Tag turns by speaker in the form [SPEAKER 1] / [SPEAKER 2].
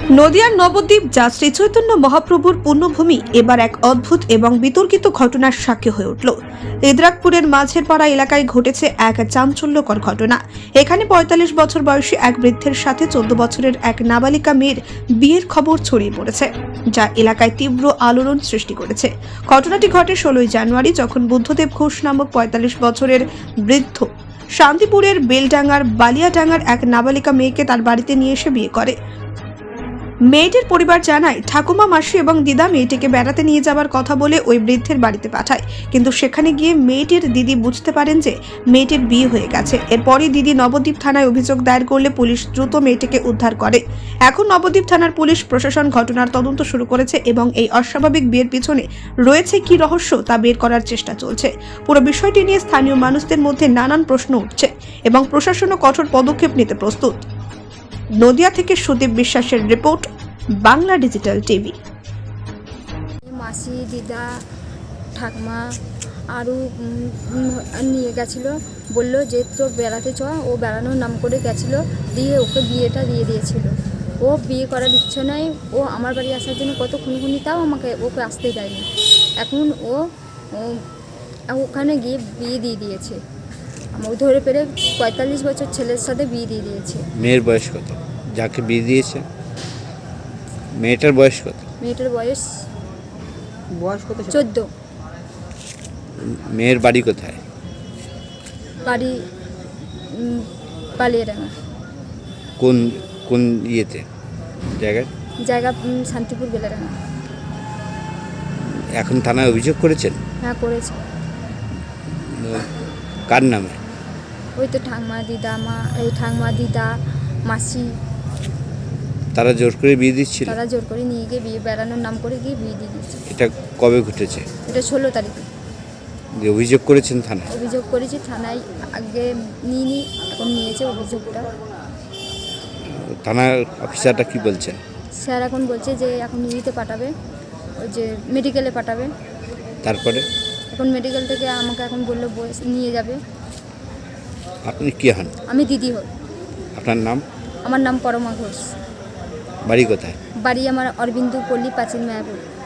[SPEAKER 1] নদিয়ার নবদ্বীপ যা শ্রী চৈতন্য মহাপ্রভুর পুণ্যভূমি এবার এক অদ্ভুত এবং বিতর্কিত ঘটনার সাক্ষী হয়ে উঠল। ইদ্রাকপুরের মাঝের পাড়া এলাকায় ঘটেছে এক চাঞ্চল্যকর ঘটনা। এখানে ৪৫ বছর বয়সী এক বৃদ্ধের সাথে ১৪ বছরের এক নাবালিকা মেয়ের বিয়ের খবর ছড়িয়ে পড়েছে, যা এলাকায় তীব্র আলোড়ন সৃষ্টি করেছে। ঘটনাটি ঘটে ১৬ জানুয়ারি, যখন বুদ্ধদেব ঘোষ নামক ৪৫ বছরের বৃদ্ধ শান্তিপুরের বেলডাঙ্গার বালিয়াডাঙ্গার এক নাবালিকা মেয়েকে তার বাড়িতে নিয়ে এসে বিয়ে করে। মেয়েটির পরিবার জানায়, ঠাকুমা, মাসি এবং দিদা মেয়েটিকে বেড়াতে নিয়ে যাবার কথা বলে ওই বৃদ্ধের বাড়িতে পাঠায়, কিন্তু সেখানে গিয়ে মেয়েটির দিদি বুঝতে পারেন যে মেয়েটির বিয়ে হয়ে গেছে। এরপরই দিদি নবদ্বীপ থানায় অভিযোগ দায়ের করলে পুলিশ দ্রুত মেয়েটিকে উদ্ধার করে। এখন নবদ্বীপ থানার পুলিশ প্রশাসন ঘটনার তদন্ত শুরু করেছে এবং এই অস্বাভাবিক বিয়ের পিছনে রয়েছে কি রহস্য তা বের করার চেষ্টা চলছে। পুরো বিষয়টি নিয়ে স্থানীয় মানুষদের মধ্যে নানান প্রশ্ন উঠছে এবং প্রশাসনও কঠোর পদক্ষেপ নিতে প্রস্তুত। নদিয়া থেকে সুদীপ বিশ্বাসের রিপোর্ট, বাংলা ডিজিটাল টিভি।
[SPEAKER 2] মাসি, দিদা, ঠাকমা আরও নিয়ে গেছিলো, বললো যে তো বেড়াতে চ। ও বেড়ানোর নাম করে গেছিলো, দিয়ে ওকে বিয়েটা দিয়ে দিয়েছিল। ও বিয়ে করার ইচ্ছে নাই, ও আমার বাড়ি আসার জন্য কত খুনি তাও ওকে আসতে দেয়নি। এখন ও ওখানে গিয়ে বিয়ে দিয়ে দিয়েছে। আমাকে ধরে পেরে ৪৫ বছর ছেলের সাথে বিয়ে দিয়ে দিয়েছে।
[SPEAKER 3] মেয়ের বয়স কত যাকে বিয়ে দিয়েছে? মেয়েটার বয়স কত?
[SPEAKER 2] মেয়েটার বয়স কত? ১৪।
[SPEAKER 3] মেয়ের বাড়ি কোথায়?
[SPEAKER 2] বাড়ি বালিয়াডাঙ্গা।
[SPEAKER 3] কোন কোন ইয়েতে
[SPEAKER 2] জায়গা শান্তিপুর বেলাডাঙ্গা।
[SPEAKER 3] এখন থানায় অভিযোগ করেছেন?
[SPEAKER 2] হ্যাঁ, করেছে।
[SPEAKER 3] কার নামে?
[SPEAKER 2] ওই তো ঠাকমা, দিদা, মাসি।
[SPEAKER 3] তারা জোর করে বিয়ে দিচ্ছিল?
[SPEAKER 2] তারা জোর করে নিয়ে গিয়ে বিয়ে বেড়ানোর নাম করে গিয়ে বিয়ে দিয়ে দিচ্ছে।
[SPEAKER 3] এটা কবে ঘটেছে?
[SPEAKER 2] এটা ১৬ তারিখে।
[SPEAKER 3] যে অভিযোগ করেছেন থানায়?
[SPEAKER 2] অভিযোগ করেছি থানায়, আগে নিইনি, এখন নিয়েছে অভিযোগটা।
[SPEAKER 3] থানার অফিসারটা কি বলছেন?
[SPEAKER 2] স্যার এখন বলছে যে এখন নিতে পাঠাবে, ওই যে মেডিকেলে পাঠাবে।
[SPEAKER 3] তারপরে
[SPEAKER 2] এখন মেডিকেল থেকে আমাকে এখন বললো নিয়ে যাবে।
[SPEAKER 3] আপনি কি হন?
[SPEAKER 2] আমি দিদি হই।
[SPEAKER 3] আপনার নাম?
[SPEAKER 2] আমার নাম পরমা ঘোষ।
[SPEAKER 3] বাড়ি কোথায়?
[SPEAKER 2] বাড়ি আমার অরবিন্দু পল্লী, প্রাচীন মায়াপুর।